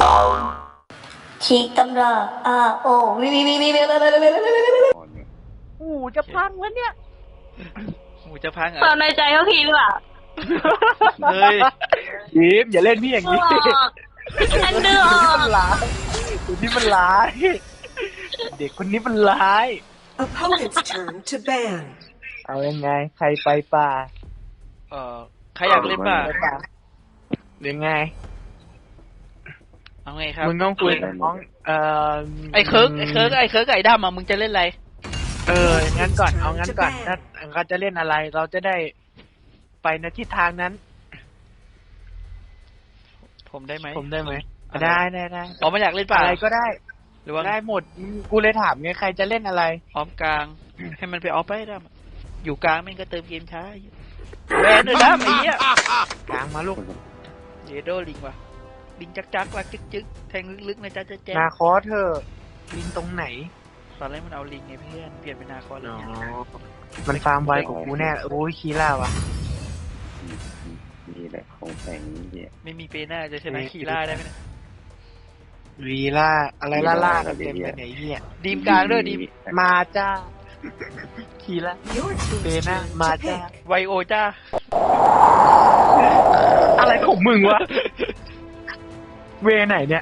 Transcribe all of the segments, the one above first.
ฉีกตำราโอวิวิวิวิวิหูจะพังวะเนี่ยหูจะพังเหรควาอมในใจเขาคิดหรือเปล่าเฮ้ยยิ้มอย่าเล่นพี่อย่างนี้ฉันดื้อออกคนนี้มันร้าย เด็กคนนี้มันร้าย Opponent's turn to ban. เอายังไง ใครไปป่าใครอยากเล่นป่ะไปป่าหรือไงเอาไงครับมึงต้องคุยกับน้องไอ้เคิร์กไอ้ดำมึงจะเล่นอะไรงั้นก่อนเอางั้นก่อนถ้าเขาจะเล่นอะไร เราจะได้ไปในทิศทางนั้นผมได้ไหมผมได้ไหมได้ได้อ๋อมันอยากเล่นป่ะอะไรก็ได้หรือว่าได้หมดกูเลยถามไงใครจะเล่นอะไรออมกลาง ให้มันไปออฟไปได้อยู่กลางมันก็เติมเกมช้าแวนด้วยนะไอ้เหี้ยกลางมาลูกเดโดลิงว่ะลิงจักรักจึ๊กแทงลึกๆนะจ๊ะแจ๊นาคอสเธอลิงตรงไหนตอนแรกมันเอาลิงไงเพื่อนเปลี่ยนเป็นนาคอสแล้วมันฟาร์มไวกว่ากูแน่โอ้ยคีล่าวะนี่แหละของแฝงนี่เนี่ยไม่มีเปน่าจะชนะคีร่าได้ไหมเนี่ยวีล่าอะไรล่ากันเต็มไปไหนเฮียดีมกลางด้วยดีมมาจ้าคีล่า Your team's Bena, turn to Mata. pick. ไวโอจ้าอะไรของมึงวะ เวไหนเนี่ย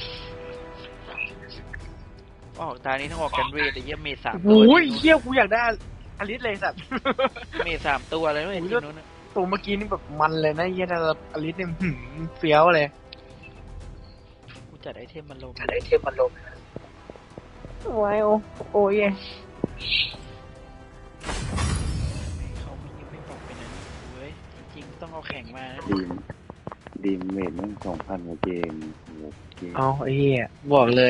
ออกตานี้ต้องออกกันเวทไอ้เหี้ยเมท3 ตัวโอ้ยเฮียกูอยากได้อลิสเลยสัตว์เมท3 ตัวเลยเว้ยทีมนู้นน่ะตัวเมื่อกี้นี่แบบมันเลยนะเฮียแต่อลิสเนี่ยเฟี้ยวเลยกูจัดไอเทมมันลงไอเทมมันลงไว้โอ้ยเขาไม่บอกเป็นอันนี้เว้ยจริงๆต้องเอาแข่งมานะดีมเมดนั่ง2,000กว่าเกมโอ้โหเกมเอาไอ้เฮียบอกเลย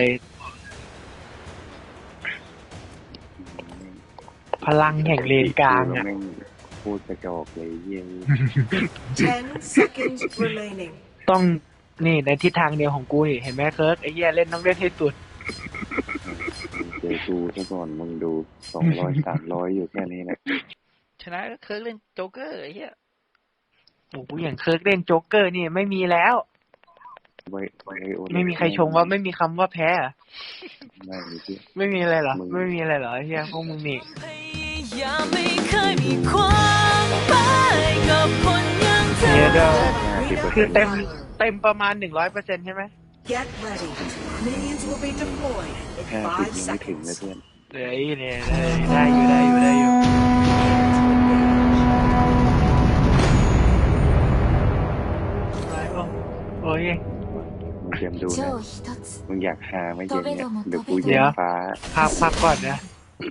พลังแห่งเลนกลางอ่ะแม่งพูดกระจอกเลยเยี่ยม 10 seconds remaining. ต้องนี่ในทิศทางเดียวของกูเห็นไหมเคิร์กไอ้เหี้ยเล่นต้องเล่นให้สุดเจอกูซะก่อนมึงดู200 300อยู่แค่นี้แหละชนะก็เคิร์กเล่นโจ๊กเกอร์ไอ้เหี้ยโอ้โหอย่างเคิร์กเล่นโจ๊กเกอร์นี่ไม่มีแล้ว ไม่มีใครชมว่าไม่มีคำว่าแพ้อะไม่มีที่ไม่มีอะไรเหรอมึงไม่มีอะไรเหรอไอ้เหี้ยพวกมึงนี่ยังไม่เคยมีความหมายกับคนอย่างเธอเดี๋ยว 50% คือเต็มประมาณ100%ใช่ไหม Get ready. Minions will be deployed in 50 5 ยังไม่ถึงเลย seconds. เพื่อนเหลืออีเนี่ยได้อยู่โอ้ยมึงเตรียมดูนะ超一つมึงอยากหาไหม่เย็นเนี่ยเดี๋ยวกูเย็นฟ้าพักก่อนนะ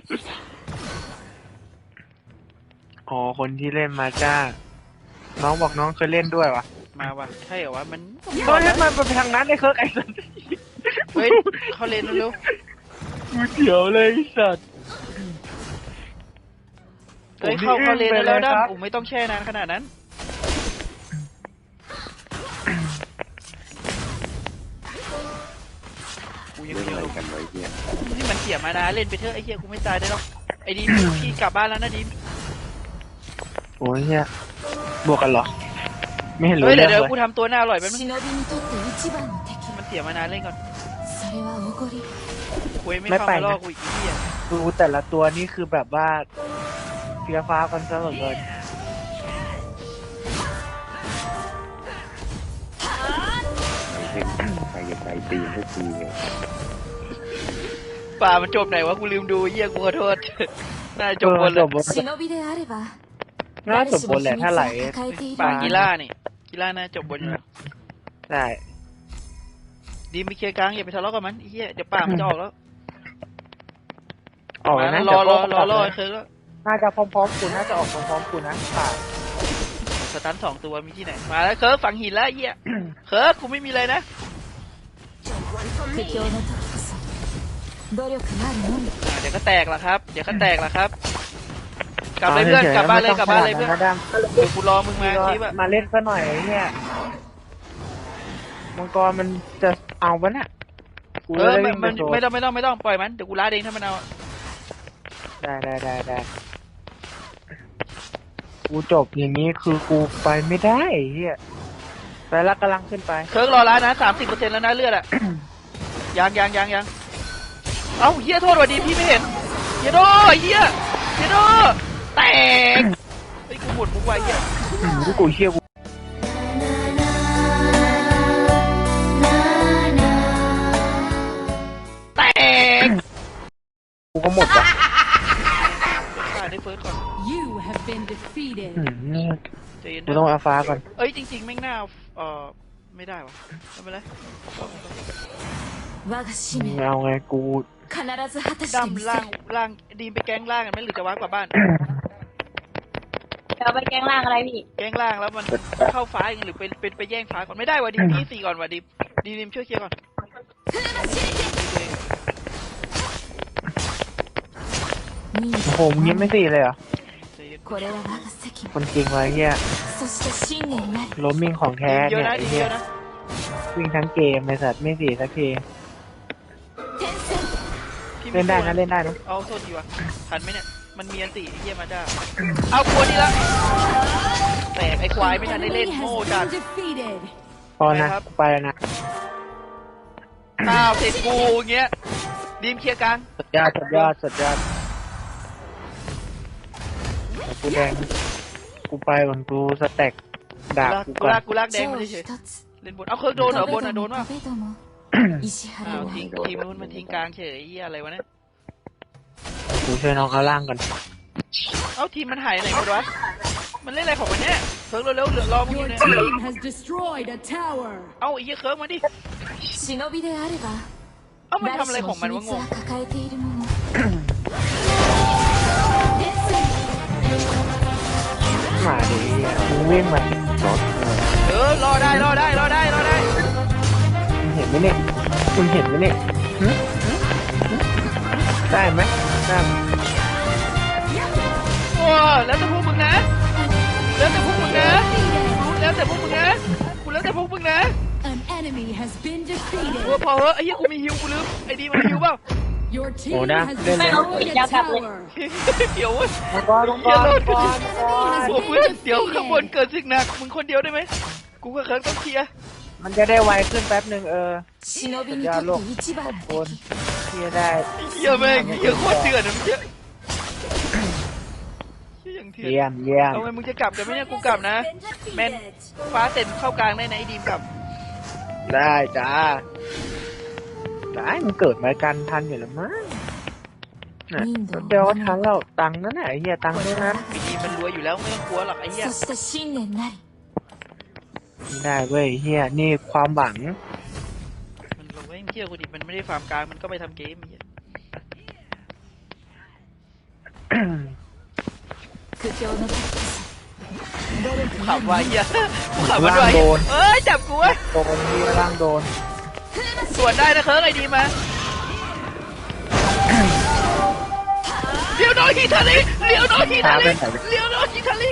อ๋อคนที่เล่นมาจ้าน้องบอกน้องเคยเล่นด้วยวะมาว่ะใช่เหรอวะมันเฮ้ยมันไปทางนั้นไอ้เคิร์กไอ้สัสเฮ้ยเขาเล่นเร็วกูเสียวเลยไอ้สัสๆเฮ้ยเขาเล่นแล้วด้ผมไม่ต้องแช่นานขนาดนั้นกูยังเล่นเดียอะวไรกันไว้เยี่ยนี่มันเสียมานะเล่นไปเถอะไอ้เหี้ยกูไม่ตายได้หรอกไอ้ดีมพี่กลับบ้านแล้วนะดีมโอ้ยเนี่ยบวกกันเหรอ ไม่เห็นรู้เฮ้ยเรื่เดี๋อย งวเลกูยทำตัวหน้าอร่อยไปมั้ย忍びにとって一番の敵มันเสียมานานเล่นก่อนそれはおごりคุยไม่เข้ามาล่อกูอีกทีอ่ะดูแต่ละตัวนี่คือแบบว่าเฟี้ยวฟ้ากันซะเหลือเกินใครจะใจตีนสักทีเนี่ยป่ามันจบไหนวะกูลืมดูเหี้ยกูขอโทษน่าจบบนเลย忍びであればน่าสมบูรณ์แหละถ้าไหล抱えているป่าわกีฬานี่กีฬาน่าจบบนอยู่แล้วได้ดีมไปเคลียร์กลางอย่าไปทะเลาะกับมันไอ้เหี้ยเดี๋ยวป่ามันจะออกแล้วออกแล้วนะรอเดี๋ยวรอก็เคิร์กแล้วน่าจะพร้อมๆกูน่าจะออกพร้อมๆกูนะป่าสตัน2 ตัวมีที่ไหนมาแล้วเคิร์กฝังหินแล้วไอ้เหี้ยเคิร์กกูไม่มีอะไรนะ苦境の時こそ努力なるのみเดี๋ยวก็แตกละครับเดี๋ยวก็แตกละครับ กลับเลยเพื่อนกลับบ้านเลยกลับบ้านเลยเพื่อนนะดั้มเดี๋ยวกูรอมึงมาทีแบบมาเล่นซะหน่อยไอ้เนี่ยมังกรมันจะเอาวะน่ะกูเอจะอได้มัวิ่นงไปโซนไม่ต้องปล่อยมันเดี๋ยวกูล้าเองถ้ามันเอาได้กูจบอย่างนี้คือกูไปไม่ได้ไอ้เฮียไปแล้วกำลังขึ้นไปเคิร์กรอร้านนะ30%แล้วนะเลือดอะ ยังเอ้าเฮียโทษว่ะดีพี่ไม่เห็นเฮียโดเฮียโดแตกไอ้ยกูหมดมุกไว้เฮียที่กูเชี่ยกูแตกกูก็หมดว่ะขาดได้เฟิร์สก่อน You have been defeated. ใจเย็นกูต้องเอาฟ้าก่อนเอ้ยจริงๆแม่งหน้าไม่ได้วะไม่เป็นไร我が使命เอาไงกู必ず果たしてみせดำล่างるล่างดีมไปแกล้งล่างกันไหมหรือจะว้ากลับบ้านเดี๋ยวไปแกงล่างอะไรพี่แกล้งล่างแล้วมันเข้าฟ้าเองหรือไปแย่งฟ้าก่อนไม่ได้วะดีมพี่4ก่อนวะดีมช่วยเคลียร์ก่อน任務โอ้โหมึงยังไม่สี่เลยเหรอใจเย็นこれは我が責คนจริงวะไอ้เฮีย務そして信念なりล้มมิ่งของแท้ดีมเยเนี่อะยนะไอ้ดีมเฮีเยยอะนะวิ่งทั้งเกมไอ้สัตว์ไม่สี่สักที転戦พี่เล่นได้ม่นะเล่นได้นะเอาโทษทีวะทันไหมเนี่ยมันมีอันติไอ้เฮียมาจ้าเอากลัวนี่ละแตกไอ้ควายไม่ทันได้เล่น Enemy โง่ has จัด been defeated. พอนะไปแล้วนะอ้าวเสร็จกูอย่างเงี้ยดีมเคลียร์กลางสุดยอดกูแดงกูไปก่อนกูสแต็กดาบกูก่อนกูลากแดง手มาをเฉย一つๆเล่นบนเอาเคิร์กโดนเหรอบนอ่ะโดนวะ壁ども石原อ้าวをทิ้งทีมนู้นมันทิ้งกลางเฉยไอ้เหี้ยอะไรวะเนี่ยกูช่วยน้องเอาล่างก่อนเอ้าทีมมันหายไหนหมดวะมันเล่นอะไรของมันเนี่ยเคิร์กเร็วๆเหลือรอมึงอ Your ยู่เนี่ย team has destroyed a tower. เอ้าไอ้เหี้ยเคิร์กมาดิ忍びであればเอ้ามันทำ誰อะไรしขもองมัน秘วะ密งงは抱えているもの転戦มาดิเฮียมึงวิ่งมารอได้มึงเห็นไหมเนี่ยคุณเห็นไหมเนี่ยหึได้ไหมได้โอ้แล้วแต่พวกมึงนะแล้วแต่พวกมึงนะ Defeated. แล้วแต่พวกมึงนะกูแล้วแต่พวกมึงนะ An enemy has been กู defeated. พอเหอะไอ้เหี้ยกูมีฮิวกูลืมไอ้ดีมันฮิวเปล่า Your team Ủa đã, has lên đây. destroyed a tower. เดี๋ยวเว้ยมังกรเหี้ยรถ Enemy has โอ้เพื่อน been เดี๋ยวข้างบน defeated. เกิดสิ่งหนักมึงคนเดียวได้ไหมกูก็เคิร์กต้องเคลียร์มันจะได้ไวขึ้นแป๊บหนึ่ง忍びにとって一番คのนเคลียร์ได้เหี้ยแม่งเหี้ยโคตรเถื่อนนะมึงเหี้ยเหี้ยอย่างเถื่อนเยี่ยมเยี่ยมเอาไงมึงจะกลับกันไหมเนี่ยกูกลับนะแมนฟ้าเต็มเข้ากลางได้นะไอ้ดีมกลับได้จ้าได้มันเกิดมากันทันอยู่แล้วมั้งน่ะเดี๋ยวทันแล้วตังค์นั่นแหละไอ้เหี้ยตังค์ด้วยนั้นไอ้ดีมมันรวยอยู่แล้วไม่ต้องกลัวหรอกไอ้เหี้ยそして信念なりไม่ได้เว้ยเหี้ยนี่ความหวังมันรวยเที่ยวกูดิมันไม่ได้ฟาร์มกลางมันก็ไปทำเกมไอ้เหี้ย苦境の時こกูขับไว้เหี้ยกูขับมันไว้เอ้ยจับกูไว้โดนที่ล่างโดนสวนได้นะเคิร์กไอ้ดีมาเลี้ยวน้อยฮิตาลิเลี้ยวน้อยฮิตาลิเลี้ยวน้อยฮิตาลิ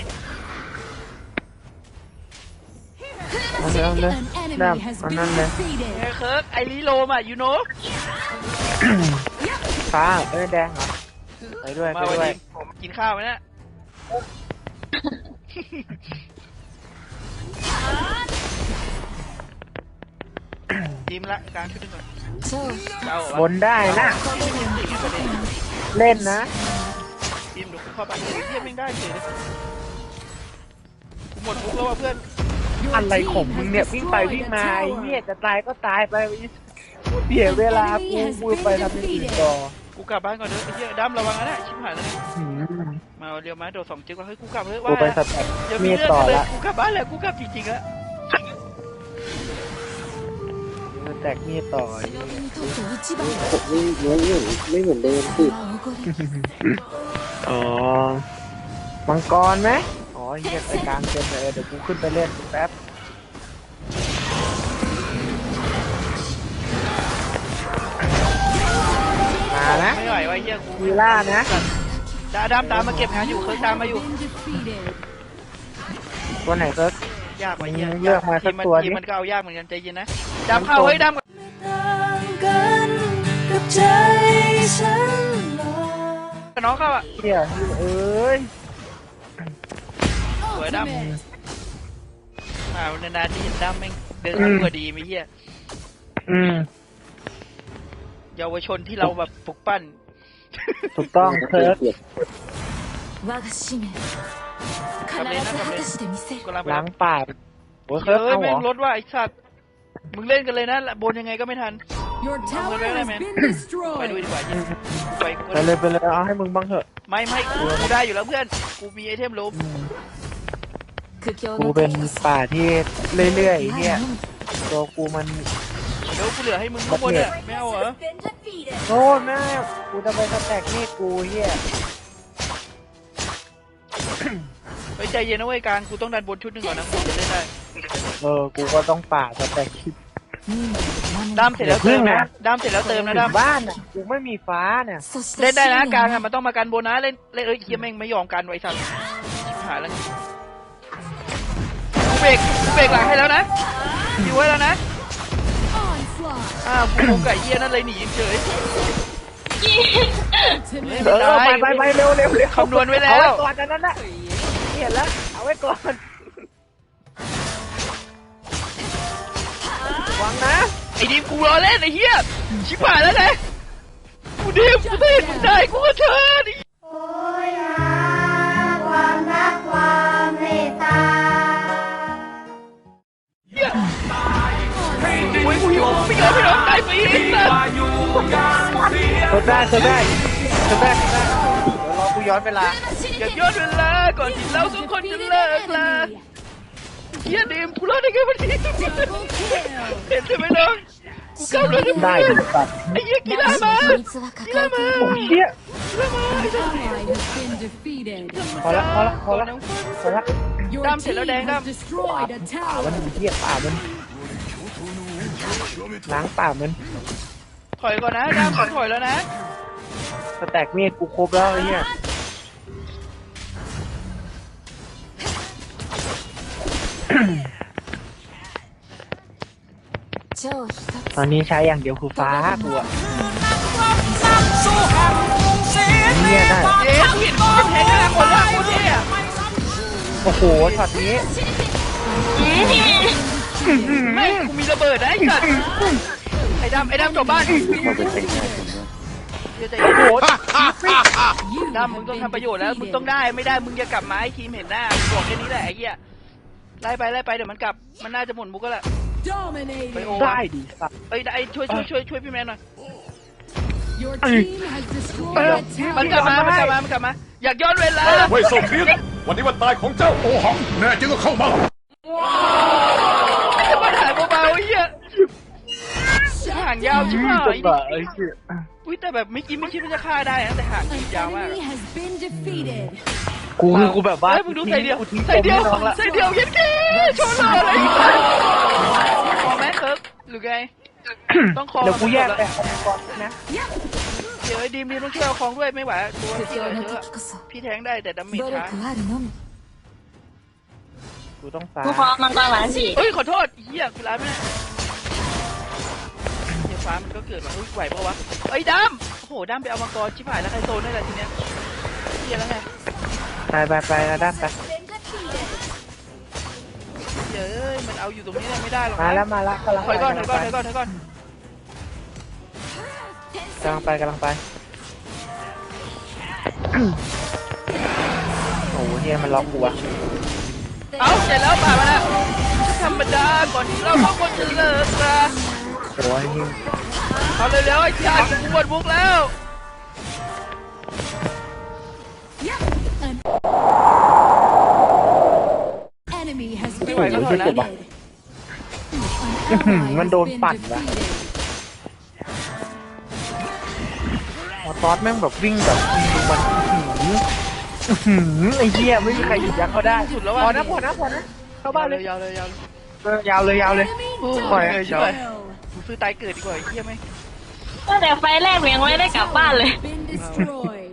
เอาเลยเอาเลย An ได้ enemy has เอา been นั่นเลย defeated. ไอ้เคิร์กไอรีโลมอ่ะยูโนฟ้าแดงเหรอไปด้วยมาไปวันด้วยนี้ผมกินข้าวไหมเนี่ยทีมละกลางชุดหนึ่งก่อน超เจ้าบนได้นะเล่นนะทีมดูเข้าไปเทียบไม่ได้เฉยเลยกูหมดทุกแล้วว่ะเพื่อน Your อะไรของ team มึง has เนี่ยวิ่งไป destroyed วิ่ง a มาไอ้เหี้ย tower. จะตายก็ตายไปเสียเวลากูไปทำอย่างอื่นต่อกูกลับบ้านก่อนเด้อไอ้เหี้ยดั้มระวังนะชิบหายแล้วหืมมาเรียวมาโดด2 จิ๊กว่าเฮ้ยกูกลับเฮ้ยกูว่าไปสแต็กอย่ามีมีดเรื่องต่อเลยละกูกลับบ้านแล้วกูกลับจริงๆแล้วสแต็กมีดต่อ忍びにとって一番のไม่เหมือนเดิมสิおごりอ๋อมังกรไหมอ๋อเหี้ยไปกลางเต็มเลยเดี๋ยวกูขึ้นไปเล่นแป๊บมานะไม่ไหวว่ะเหี้ยกูวีล่านะดำตามมาเก็บงานอยู่เคิร์กตามมาอยู่ Been defeated. ตัวไหนเซิร์ฟยากว่ะเหี้ยเลือกมาสักตัวดิทีมมันก็เอายากเหมือนกันใจเย็นนะดำเข้าเฮ้ยดำกับใจฉันหรอกับน้องเข้าอ่ะเหี้ยเอ้ยสวยดำ Ultimate. นานๆที่เห็นด้ามแม่งเดินตัวดีไม่เหี้ย เยาวชนที่เราแบบปลุกปั้นถูกต้องเคิร์ฟ我が使命必ず果たしてみせるกำลังไปล้างปากโอ้ยเคิร์ฟเฮ้ยเอาเหรแม่งอรถว่าไอ้สัตว์มึงเล่นกันเลยนะบนยังไงก็ไม่ทัน Your tower has been ไปดู destroyed. ดีกว่าเนี่ยไปกูไปเลยไปเลยเอาให้มึงบ้างเถอะไม่กูได้อยู่แล้วเพื่อนกูมีไอเทมลบ苦境กูのเป็น時こそป่าที่เรื่อยๆไอ้เนี่ย前のみตัวกูมันเดี๋ยวกูเหลือให้มึงข้างบนเนี่ยไม่เอาเหรอโน่นแม่กูจะไปสแต็กนี่กูเฮียไปใจเย็นนะเว้ยกลางกูต้องดันบนชุดหนึ่งก่อนนะกูจะเล่นได้กูก็ต้องป่าสแต็กคิด任務を守ด้ามるเสร็จแล้วเติมนะด้ามเสร็จแล้วเติมนะด้ามบ้านอ่ะกูไม่มีฟ้าเนี่ยそしてเล่นได้นะ信念กลางをอะมันต้องมากันบนนะเล่นเอ้ยเฮียแม่งไม่ยอมกันไว้สัตว์ชิบหายแล้วกูเบรกหลังให้แล้วนะอยู่ไว้แล้วนะ Onslaught. กูไก่เฮียนั่นเลยหนีเฉย Ultimate. ไปเร็วคำนวณไว้แล้วเอาไว้ก่อนอันนั้นน่ะเห็นแล้วเอาไว้ก่อนวางนะไอ้ดิมกูรอเล่นไอ้เหี้ยชิบหายแล้วนะกูดิมกูเห็นมึงได้กูก็เชิญความรักความเมตตาเหี้ยโอ้ยกูหิวไม่ยอมตายไปอีกสัสทดได้เดี๋ยวรอกูย้อนเวลาอย่าย้อนเวลาก่อนที่เราสองคนจะเลิกลาเหี้ยดิมกูรอดได้ไงวันนี้เห็นใช่ไหมน้องกูกลับเลยนะได้เพื่อนดิสัตว์ไอ้เหี้ยกีฬามา秘密は抱えているโอ้เชี่ย Ally has been defeated. พอละ Your Đam xiển team nó đen, has Đam. destroyed a ป่ามัน tower. เหี้ยป่ามันล้างป่ามันถอยก่อนนะด้ามขอถอยแล้วนะสแต็กมีดกูครบแล้วไอ้เหี้ย超一ตอนนี้ใช้อย่างเดียวคือฟ้ากูอะเนี่ยได้เย้กูเห็นมันแทงหน้าคนละโคตรเท่อะโอ้โหช็อตนี้ไม่กูมีระเบิดนะไอ้สัตว์ไอ้ดำจบบ้านเราจะเป็นไงผมว่าเดี๋ยวใจเย็นโอ้โห You ดำมึง have ต้อง been ทำประโยชน์แล้วมึงต้อง defeated. ได้ไม่ได้มึงจะกลับมาให้ทีมเห็นหน้าบอกแค่นี้แหละไอ้เหี้ยไล่ไปเดี๋ยวมันกลับมันน่าจะหมดมุกก็แหละ ไปโอ้ Dominating. ได้ดิสัตว์เอ้ยได้ช่วยพี่แมนหน่อย Your team has destroyed a มันกลับ tower. มาอยากย้อนเวลาเว่ยโซเฟียนวันนี้วันตายของเจ้าโอหัง แน่จริงก็เข้ามาจะมาถ่ายเบาๆไอ้เหี้ยห่างยาวชิบหายจังหวะไอ้เหี้ยอุ้ยแต่แบบไม่คิดว่าจะฆ่าได้นะแต่ห่าง An ยาวมาก enemy has been defeated. กูแบบว่าเฮ้ยมึงดูใส่เดียวกูทิ้งใส่เดียวปมให้น้องละใส่เดียวยันแค่โชว์เลยอะไรพอไหมเคิร์กหรือไงต้องคอเดี๋ยวกูแยกแต่ก่อนนะเดี๋ยวไอ้ดีมต้องช่วยเอาของด้วยไม่ไหวตัว苦พี่境เยのอะ時こそพี่แทงได้แต่ดาเมจ努ช้า力あるのみกูต้องฟ้ากูขอมังกรหวานสิเฮ้ยขอโทษเฮียกูร้ายไม่ได้เฮียฟ้ามันก็เกิดมาอุ้ยไหวปะวะเอ้ยดำโอ้โหดำไปเอามังกรชิบหายแล้วใครโซนได้แหละทีเนี้ยเฮียแล้วไงไปนะด้านไปเฮ้ยมันเอาอยู่ตรงนี้ไม่ได้หรอกมาแล้วกำลังถอยก่อนไปกำลังไปโอ้โหเฮียมันล็อกกูอะเอาเสร็จแล้วป่ามาแล้วธรรมดาก่อนที่เราสองคนจะเลิกกันโอ้ยเฮียเอาเร็วๆไอ้ชาติกูปวดมุกแล้ว Enemy has ไม่ been ไหวก็ถอยนะ defeated. An ally มัน has โดน been ปั่นวะ defeated. ตอสแม่งแบบวิ่งแบบมันไอ้เหี้ยไม่มีใครหยุดยั้งเขาได้สุดแล้วพว่ะอนะเข้าบ้านเลยยาวเลยยาวเลย ปล่อยใช่กูซื้อตายเกิดดีกว่าไอ้เหี้ยไหมก็แต่ไฟแรกเมียงไม่ได้กลับบ้านเลย Been destroyed.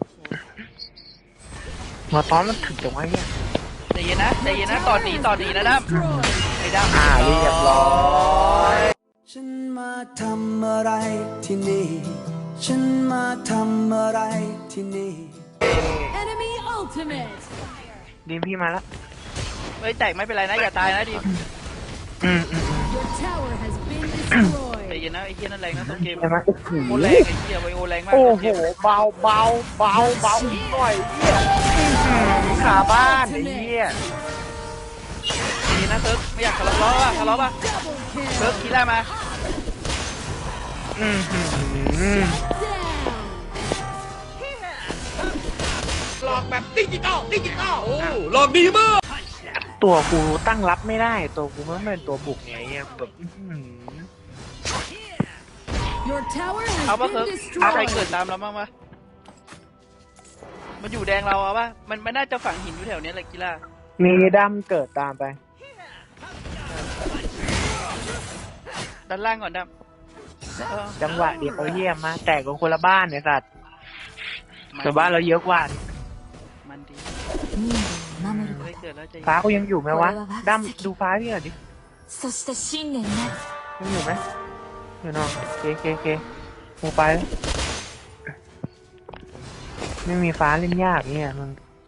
มาตอนมันถึงจังวะเนี่ยใจเย็นนะต่อดีนะดั้ม Destroyed. ไอ้ดั้มเรียบร้อยฉันมาทำอะไรที่นี่ ฉันมาทำอะไรที่นี่ Enemy ultimate. ดีมพี่มาแล้วไปฮ้ยแตกไม่เป็นไรนะอย่าตายนะดิ Your tower has been destroyed. ใจเย็นนะไอ้เหี้ยนั่นแรงนะต้นเกมใช่ไหมโอ้โหโคตรแรงไอ้เหี้ยไวโอแรงมากโอ้ต้นโหเกมเบาอีกหน่อยเหี้ยขาบ้านไอ้เหี้ยดีนะเซิร์ฟไม่อยากทะเลาะป่ะทะเลาะป่ะ Double เซิร์ฟ kill. คีล่ามาอื้อหือ Down. หลอกแบบดิจิตอลโอ้หลอกดีมากตัวกูตั้งรับไม่ได้ตัวกูมันเป็นตัวบุกไงเหี้ยแบบอื้อหือ Your tower เอาป่ะ has เซิร์ฟ been ใครเกิด destroyed. ตามเราบ้างปะมันอยู่แดงเราเอาป่ะมันน่าจะฝังหินอยู่แถวเนี้ยแหละกีฬามีดำเกิดตามไปด้านล่างก่อนดำจังหวะเดียวเยี่ยมมาแตกกันคนละบ้านเนี่ยสัตว์แต่บ้านเราเยอะกว่ามันดี民度を守るこไม่เกิดแล้วใจฟ้ากูยังอยู่ไหมวะดำดูฟ้าพี่หน่อยดิとそして信念なるยังอยู่ไหมอยู่เนอะเคกูไปแล้วไม่มีฟ้าเล่นยากเนี่ยมึง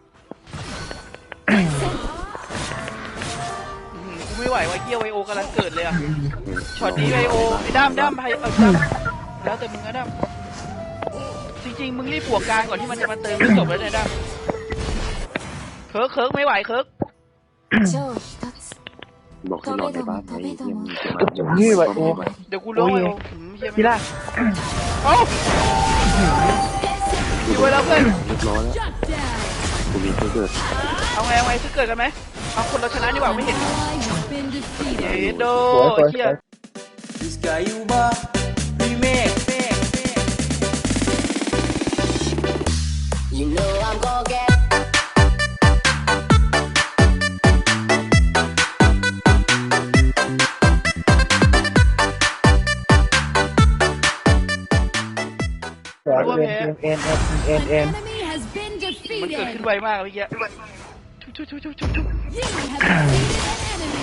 กูไม่ไหวว่ะเกียไวโอกำลังเกิดเลยอ่ะช็อตนี้ไวโอไอ้ด้ามไปแล้วแต่มึงนะด้ามจริงๆมึงรีบบวกกลางก่อนที่มันจะมาเติมไม่จบแล้วเนี่ยด้ามเคิร์กไม่ไหวเคิร์ก超一つบอกให้นอนในบ้านไงเยี่ยมจะมาจะนี่ไวโอเดี๋ยวกูล้วงไวโอเฮียพี่ล่ะเอ้าอยู่ไว้แล้วเพื่อนเรียบร้อยแล้ว Shut down. กูมีเพื่อนเกิดเอาไงซื้อเกิดกันไหมเอาคนเราชนะดีกว่าไม่เห็น Ally has been เฮ้ defeated. โดเฮีย Discaiuba Remake You know I'm gonna get N An enemy has been มันเกิดขึ้น defeated. ไวมากเมื่อกี้ทุบ You have defeated an enemy.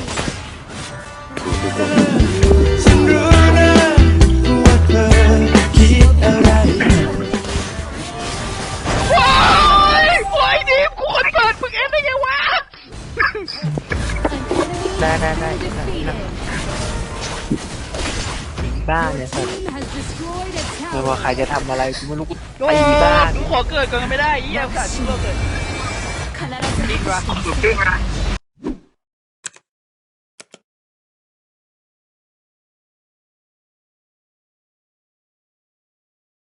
ฉันรู้นะว่าเธอคิดอะไรว้ายโอ้ยดิมกูคนเปิดมึงเอ็นได้ไงวะ An enemy ได้ has been defeated. บ้าน Your เนี่ยสัตว์ team has destroyed a ไม่ว่า tower. ใครจะทำอะไรกูไม่รู้กูโอ้ตีบ้านกูขอเกิดก่อนไม่ได้ยี่ยมสัตว์ที่เราเกิด必ずดีกว่า